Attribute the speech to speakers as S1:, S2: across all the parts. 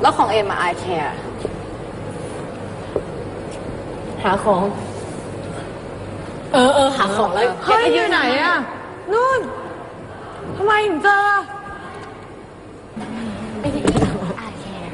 S1: แล้วของเอ็มอะไอแคร์หาของหาของแล้ว
S2: เฮ้ยอยู่ไหนอะนู่นทำไมถึงเจอ
S1: ไม่ได้ไอแคร์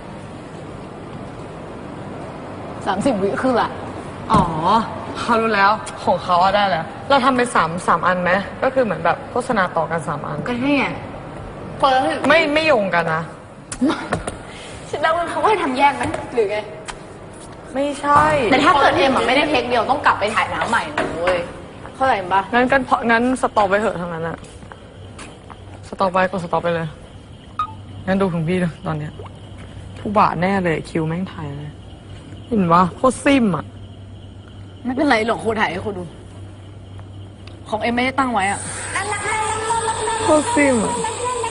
S1: 30 วิคือละ
S2: อ๋อเขารู้แล้วของเขาอะได้แล้วเราทำไปสามอันไหมก็คือเหมือนแบบโฆษณาต่อกัน3 อัน
S1: ก็นี่ไงคนละ
S2: ไม่โยงกันนะ
S1: ฉันเดาว่าเขาให้ทำแยกไหมหรือไง
S2: ไม่ใช่
S1: แต่ถ้าเกิดเอ็มอะไม่ได้เทคเดียวต้องกลับไปถ่ายน้ำใหม่นะเว้ยเข้าใจปะ
S2: งั้นสต็อปไปเถอะทั้งนั้นอะสต็อปไปก็สต็อปไปเลยงั้นดูของพี่เลยตอนเนี้ยผู้บาทแน่เลยคิวแม่งถ่ายเลยเห็นวะโคตรซิ่มอะ
S1: ไม่เป็นไรหรอกครูถ่ายให้ครูดูของเอ็มไม่ได้ตั้งไว้อะ
S2: โคตรซิ่มอะ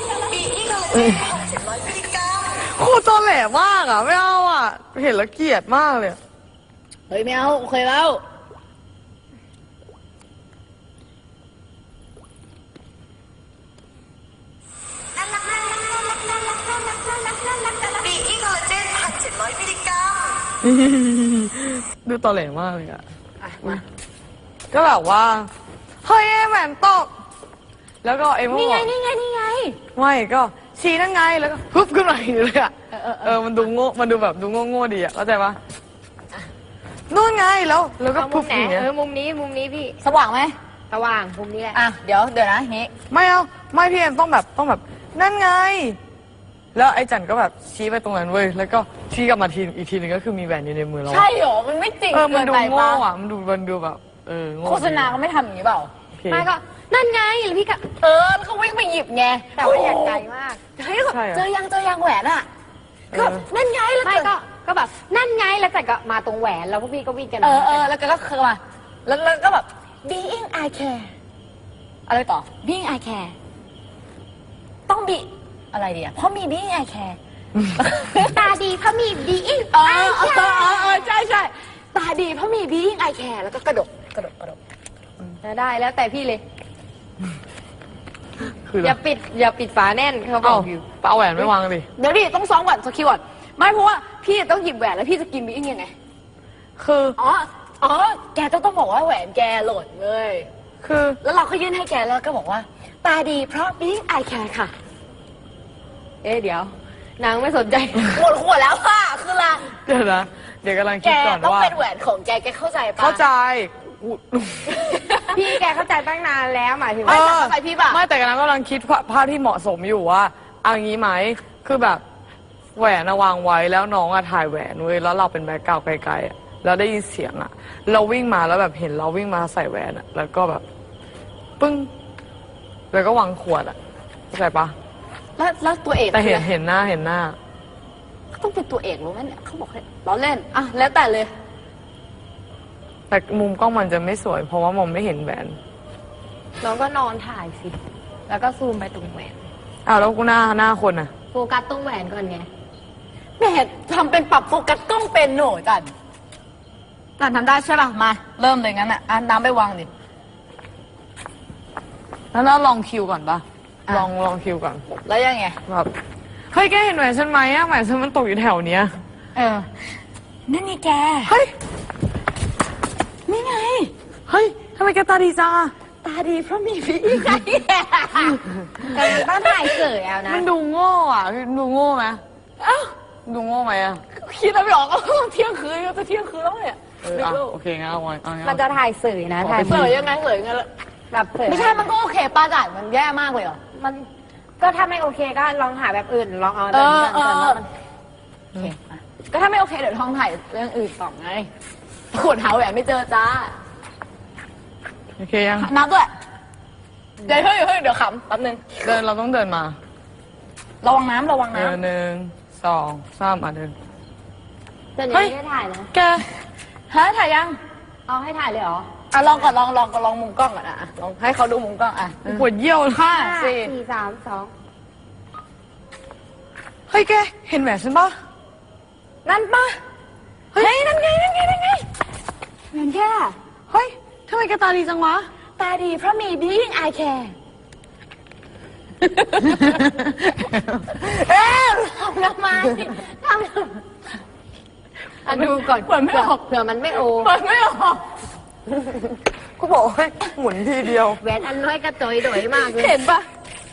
S2: โคตรตอแหลมากอะไม่เอาอะเห็นแล้วเกลียดมากเลย
S1: เฮ้ยไม่เอาโอเคแล้ว
S2: ดูตอแหลมากเลยอะก็แบบว่าเฮ้ยแหวนตกแล้วก็เอ็ม
S1: นี่ไง
S2: ไม่ก็ชี้นั่นไงแล้วก็ฮึบขึ้นมาอย่างนี้เลยอะมันดูโง่มันดูแบบดูโง่ดีอะเข้าใจปะนู่นไงแล้วก็ปุ๊บอย่างเงี้ย
S1: มุมนี้พี่สว่างไหมสว่างมุมนี้แหละอ่ะเดี๋ยวนะนี้
S2: ไม่เอาไม่พี่เอ็มต้องแบบนั่นไงแล้วไอ้จันก็แบบชี้ไปตรงนั้นเว้ยแล้วก็ชี้กลับมาอีกทีนึงก็คือมีแหวนอยู่ในมือเรา
S1: ใช่หรอมันไม่จริง
S2: มันดูโง่อะมันดูแบบ
S1: โฆษณาก็ไม่ทำอย่างนี้เปล่าไม่ก็นั่นไงแล้วพี่ก็แล้วเขาวิ่งไปหยิบไงแต่ว่าอยากไกลมากเฮ้ยเจอยังแหวนอ่ะก็นั่นไงแล้วไม่ก็แบบนั่นไงแล้วแต่ก็มาตรงแหวนแล้วพวกพี่ก็วิ่งกันแล้วก็คือมาแล้วก็แบบ being I care อะไรต่อ being I care ต้องบีอะไรดีอ่ะเพราะมี being I care ตาดีเพราะมี being I care ใช่ตาดีเพราะมี being I care แล้วก็กระดกได้แล้วแต่พี่เลยอย่าปิดฝาแน่นเขาบอกอยู่
S2: เอาแหวนไม่วางดิ
S1: เดี๋ยวดิต้องซ้อมก่อนสกิลก่อนไม่เพราะว่าพี่ต้องหยิบแหวนแล้วพี่จะกินบีอิงยังไง
S2: คือ
S1: แกต้องบอกว่าแหวนแกหล่นเลย
S2: คือ
S1: แล้วเราก็ยื่นให้แกแล้วก็บอกว่าตาดีเพราะบีอิงไอแคร์ค่ะเดี๋ยวนางไม่สนใจหมดขวดแล้วค่ะคือละ
S2: เดี๋ยวกำลังคิดก่อนว่า
S1: ต้องเป็นแหวนของแกเข้าใจปะ
S2: เข้าใจ
S1: พี่แกเข้าใจตั้งนานแล้วหมายถึงว่าเข้าใจพี่ป่ะ
S2: ไม่แต่กำลังคิดภาพที่เหมาะสมอยู่ว่าเอางี้ไหมคือแบบแหวนวางไว้แล้วน้องถ่ายแหวนเว้ยแล้วเราเป็นแบ็คกราวด์ไกลๆแล้วได้ยินเสียงเราวิ่งมาแล้วแบบเห็นเราวิ่งมาใส่แหวนแล้วก็แบบปึ้งแล้วก็วางขวดเข้าใจปะ
S1: แล้วตัวเอก
S2: แต่เห็นหน้า
S1: ต้องเป็นตัวเอกรู้ไหมเนี่ยเขาบอกให้ล้อเล่นแล้วแต่เลย
S2: แต่มุมกล้องมันจะไม่สวยเพราะว่ามองไม่เห็นแหวน
S1: น้องก็นอนถ่ายสิแล้วก็ซูมไปตรงแหวน
S2: แล้วกูหน้าคน
S1: โฟกัสตรงแหวนก่อนไงแม่ทำเป็นปรับโฟกัสกล้องเป็นหนูจันทำได้ใช่ป่ะมาเริ่มเลยงั้นน้ำไปวางดิ
S2: แล้วลองคิวก่อนปะลองคิวก่อน
S1: แล้วยังไง
S2: แบบเฮ้ยแกเห็นแหวนฉันไหมแหวนฉันมันตกอยู่แถวเนี้ย
S1: นั่นไงแก
S2: เฮ้ย
S1: นี่ไง
S2: เฮ้ยทำไมแกตาดีจัง
S1: ตาดีเพราะมีพี่ไงแต่บ้านถ่ายเสยนะ
S2: มันดูโง่ดูโง่ไหมดูโง่ไหม
S1: คิดไม่ออกเที่ยงคืนจะเที่ยงคืนแล้วเนี่ย
S2: โอเคงั้นเอาไว้
S1: มันจะถ่ายเสยนะถ่ายเสยยังไงแบบไม่ใช่มันก็โอเคป้าจ่ายมันแย่มากเลยเหรอมันก็ถ้าไม่โอเคก็ลองหาแบบอื่นลองเอาก็ถ้าไม่โอเคเดี๋ยวลองถ่ายเรื่องอื่นต่อไงขวดหาแหวนไม่เจอจ้า
S2: โอเคยัง
S1: นับด้วยเดี๋ยวเดี๋ยวขำแป๊บนึง
S2: เราต้องเดินมา
S1: ระวังน้ำ
S2: 1 2 3เดิน
S1: เฮ้ยให้ถ่ายนะ
S2: แก
S1: ถ่ายยังเอาให้ถ่ายเลยเหรอลองก่อนลองมุมกล้องก่อนลองให้เขาดูมุมกล้อง
S2: ปวดเยี่ยว
S1: 5 4 3
S2: 2เฮ้ยแกเห็นแหวนฉันปะ
S1: นั่นปะเฮ้ยนั่นไงเหมือนแค่
S2: เฮ้ยทำไมแกตาดีจังวะ
S1: ตาดีเพราะมี being I care ทำทำไมทำอ่ะดูก่อน
S2: เปิดไม่ออก
S1: เผื่อมันไม่โอ
S2: เปิดไม่ออกกูบอกให้หมุนทีเดียว
S1: แหวนอันน้อยกระจอยโดยมากเลย
S2: เห็นปะ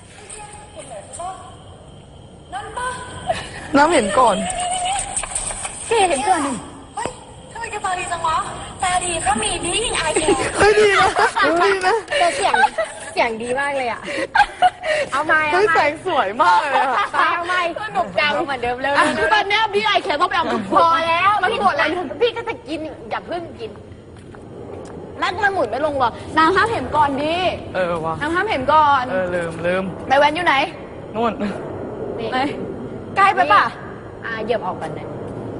S2: น้ำเห็นก่อน
S1: เก๋เห็นก่อนหนึ่ง
S3: เฮ้ยทำไมแกตาดีจังวะตาดีก็มีดีไอแก
S2: เฮ้ยดีนะดีนะ
S1: แต่เสียงดีมากเลยอ่ะ เอาไม้
S2: เฮ้
S1: เอา
S2: ยแส
S1: ไม้
S2: งสวยมากเลยอะ
S1: เอาไม้สนุกจังเหมือนเดิมเลย
S2: ตอนเนี้ยพี่ไอแคร์ต้องไปเอาทุกค
S1: พอน แล้วพี่หมดแล้วพี่ก็จะกินอย่าเพิ่งกิน
S3: นักมันหมุนไม่ลงหรอกนางห้ามเห็นก่อนดิ
S2: วะ
S3: นางห้ามเห็นก่อน
S2: ลืม
S3: แม่แวนอยู่ไหน
S2: นู่น
S1: นี่
S3: ไหนใกล้ไปป่ะ
S1: เหยียบออกกันนะ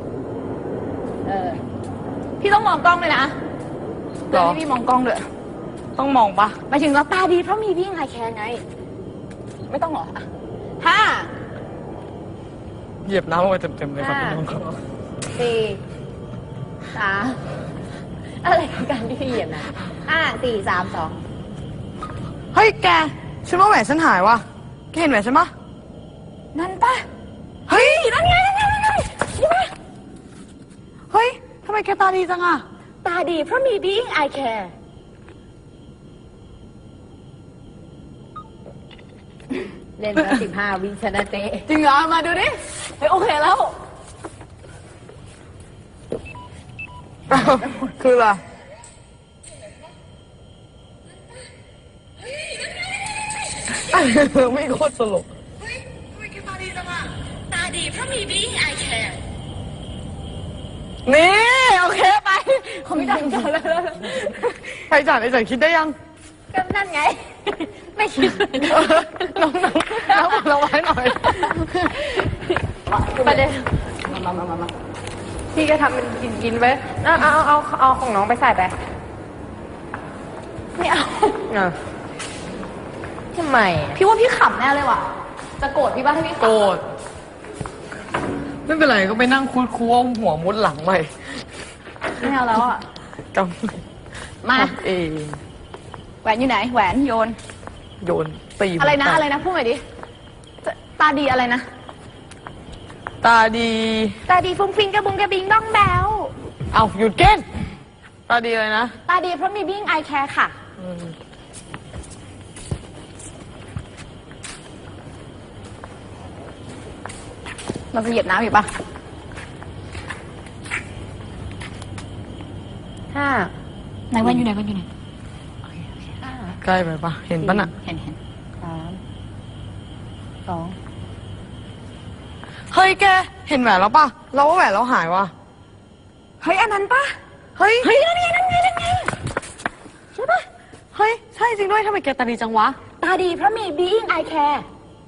S3: พี่ต้องมองกล้องเลยนะ
S2: หรอ
S3: เดี๋ยวให้พี่มองกล้องด้วย
S2: ต้องมองปะ
S3: หมายถึงเราตาดีเพราะมีพี่ไอแคร์ไง ไม่ต้องหรออ่ะห้า
S2: เหยียบน้ำลงไปเต็มๆเลยครับพี่น้องครับ
S1: สี่สามอะไรกันที่พี่เหยียบนะ4 3 2
S2: เฮ้ยแกฉันว่าแหวนฉันหายวะแกเห็นแหวนฉันปะ
S3: นั่นป่ะ
S2: เฮ้ย
S3: นั่นไงนั่นไงนั่นไงนี่ป่ะ
S2: เฮ้ยทำไมแกตาดีจังอะ
S1: ตาดีเพราะมี being I care เล่นมา15 วิชนะเตะ
S3: จริงเหรอมาดูดิเฮ้ยโอเคแล้ว
S2: คืออะไรไม่โคตรสลบ
S3: เฮ้ยทำไมแกตาดีจังอะตาดีเพราะมี being I care
S2: นี่โอเคไป
S3: เขาไม่ดังจังเลย
S2: ใครจ่ายไอ้จ่ายคิดได้ยัง
S1: ก็นั่นไง ไม่คิดเลย
S2: น้องเราไว้หน่อย
S1: ประเด็น
S3: มา
S1: พี่ก็ทำเป็นกินไว้เอาของน้องไปใส่ไป
S3: ไม่เอา
S1: ทำไม
S3: พี่ว่าพี่ขำแน่เลยว่ะ จะโกรธพี่ป่ะถ้าพี่ขำ
S2: โกรธไม่เป็นไรก็ไปนั่งคุดคูเอาหัวมุดหลังใหม่
S3: ไม่เอาแล้วอ่ะ
S2: ก
S3: มา
S2: ำเอง
S3: แหวนอยู่ไหน แหวนโยน
S2: โยนตี
S3: อะไรนะ
S2: หัวแตก
S3: อะไรนะพูดหน่อยดิตาดีอะไรนะ
S2: ตาดี
S1: ตาดีฟุ้งฟิงกระบุงกระบิงบ้องแบว
S2: เอาหยุดเก้นตาดีอะไรนะ
S1: ตาดีเพราะมี being I care ค่ะ
S3: เราจะเหยียบน้ำอีกปะ
S1: 5
S3: ไหนแหวนอยู่ไหนแหวนอยู่ไหน
S2: ใกล้ไปปะเห็นปะน่ะ
S3: เห็น
S1: 3 2
S2: เฮ้ยแกเห็นแหวนแล้วปะเราว่าแหวนเราหายวะ
S3: เฮ้ยอันนั้นปะ
S2: เฮ้ย
S3: เฮ้ยนั่นไงนั่นไงนั่นไง
S2: ใช่ปะเฮ้ยใช่จริงด้วยทำไมแกตาดีจังวะ
S1: ตาดีเพราะมี being I care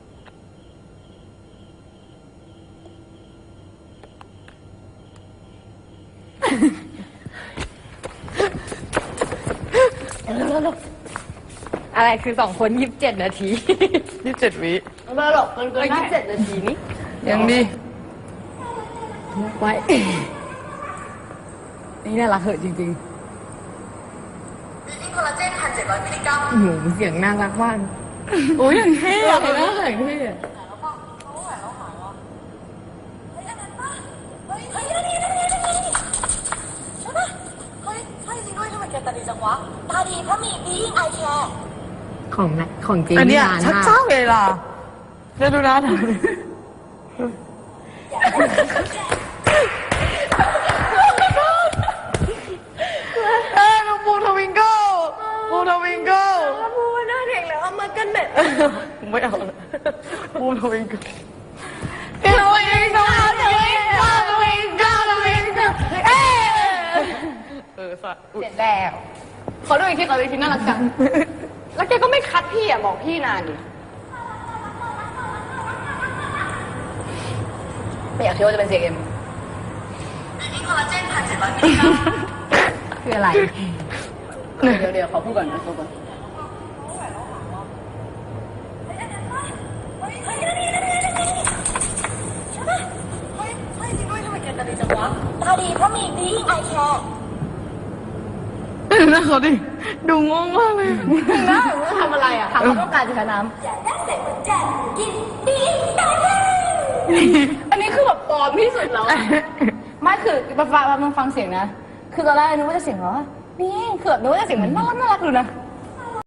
S1: อะไรคือ2 คน27 นาที
S2: 27 วิ
S3: ไม่หรอกเกินได้
S1: 27 นาทีนี้
S2: ยังดี
S3: ไว้นี่น่ารักเหอะจริง
S1: หนูเสียงน่ารักมาก
S3: ๆโอ้ยอย่างเท่อะเลยนะอย่างเท่อะ
S1: ของจริง
S2: อันเนี้ย
S1: นาน
S2: ชัก
S1: มาก
S2: เจ้าเวลาเดี๋ยวดูนะเอ้ยน้องปูทวิงเกิลปูทวิงเกิล
S1: พูดหน้าเด็กแล้วเอามากันเด็ด
S2: ไม่เอาละปูทวิงเกิลทวิงเกิลทวิงเกิลทวิงเกิลทวิงเกิลทวิงเกิลสัตว์
S1: เสร็จแล้ว
S3: ขอดูอีกทีขอดูอีกทีน่ารักจัง แล้วแกก็ไม่คัดพี่อ่ะบอกพี่นานดิไม่อยากเชื่อว่าจะเป็นเสียงเอ็มคืออะไร เดี๋ยวขอพูดก่อนนะพูดก่อน
S1: ตาดีเพราะมี being I care
S2: น่าเขาดิดูงงมากเลย
S3: น่าทำอะไรอ่ะถามว่าต้องการจะใช้น้ำ
S1: อยากได้เสร็จเหมือนกันกิน being I care
S3: อันนี้คือแบบปลอมที่สุดแล้วไม่คือมาฟังเสียงนะคือตอนแรกนึกว่าจะเสียงเหรอนี่คือแบบนึกว่าจะเสียงมันน่ารักดูนะ